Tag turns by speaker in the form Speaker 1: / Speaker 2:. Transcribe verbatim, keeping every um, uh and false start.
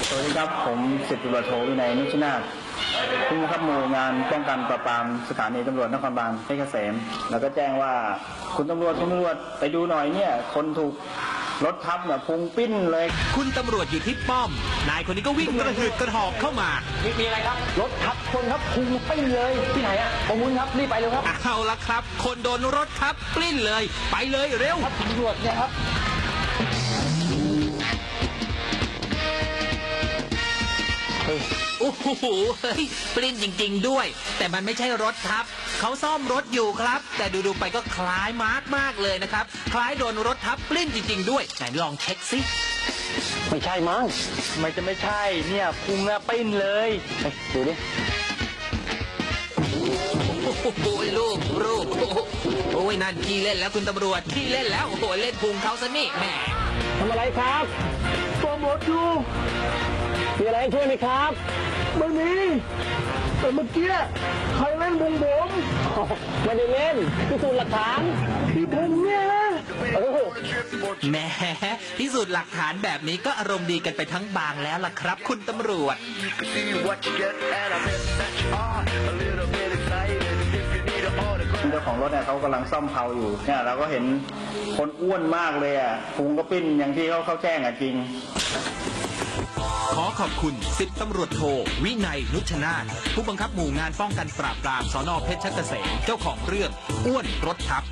Speaker 1: สวัสดีครับผมสิบตำรวจโทวินัยนุชนาถผู้บังคับหมู่งานป้องกันปราบปรามสถานีตำรวจนครบาลเพชรเกษมแล้วก็แจ้งว่าคุณตำรวจคุณตำรวจไปดูหน่อยเนี่ยคนถูกรถทับเนี่ยพุงปิ้นเลย
Speaker 2: คุณตำรวจอยู่ที่ป้อมนายคนนี้ก็วิ่งกระหืดกระหอบเข้ามา
Speaker 3: มีอะไรครับรถทับคนครับพุงปิ้นเลยที่ไหนอะประมุนครับรีบไปเร็วครับ
Speaker 2: เอาละครับคนโดนรถทับปลิ้นเลยไปเลยเร็ว
Speaker 3: ครับตำรวจเนี่ยครับ
Speaker 2: โอ้โหเฮ้ยปลิ้นจริงๆด้วยแต่มันไม่ใช่รถทับเขาซ่อมรถอยู่ครับแต่ดูๆไปก็คล้ายมาร์กมากเลยนะครับคล้ายโดนรถทับปลิ้นจริงๆด้วยไหนลองเช็คซิ
Speaker 3: ไม่ใช่มั้งไม่จะไม่ใช่เนี่ยพุงอะปิ้นเลยดูดิ
Speaker 2: โอ้โหลูกลูกโอ้ยนั่นขี้เล่นแล้วคุณตำรวจขี้เล่นแล้วโอ้โหเล่นพุงเขาซะนี่แหม
Speaker 3: ทำอะไรครับโปรโมทอยู่มีอะไรช่วยไหมครับไม่มีแต่เมื่อกี้ใครเล่นพุงผมไม่ได้เล่นพิสูจน์หลักฐานที่ผมเนี่ย
Speaker 2: แหมพิสูจน์หลักฐานแบบนี้ก็อารมณ์ดีกันไปทั้งบางแล้วล่ะครับคุณตำรวจ
Speaker 1: เจ้าของรถเนี่ยเขากำลังซ่อมเพลาอยู่เนี่ยเราก็เห็นคนอ้วนมากเลยอ่ะพุงก็ปิ้นอย่างที่เขาเขาแจ้งอ่ะจริง
Speaker 2: ขอขอบคุณสิบตำรวจโทวินัยนุชนาถผู้บังคับหมู่งานป้องกันปราบปรามสน.เพชรเกษมเจ้าของเรื่องอ้วนรถทับ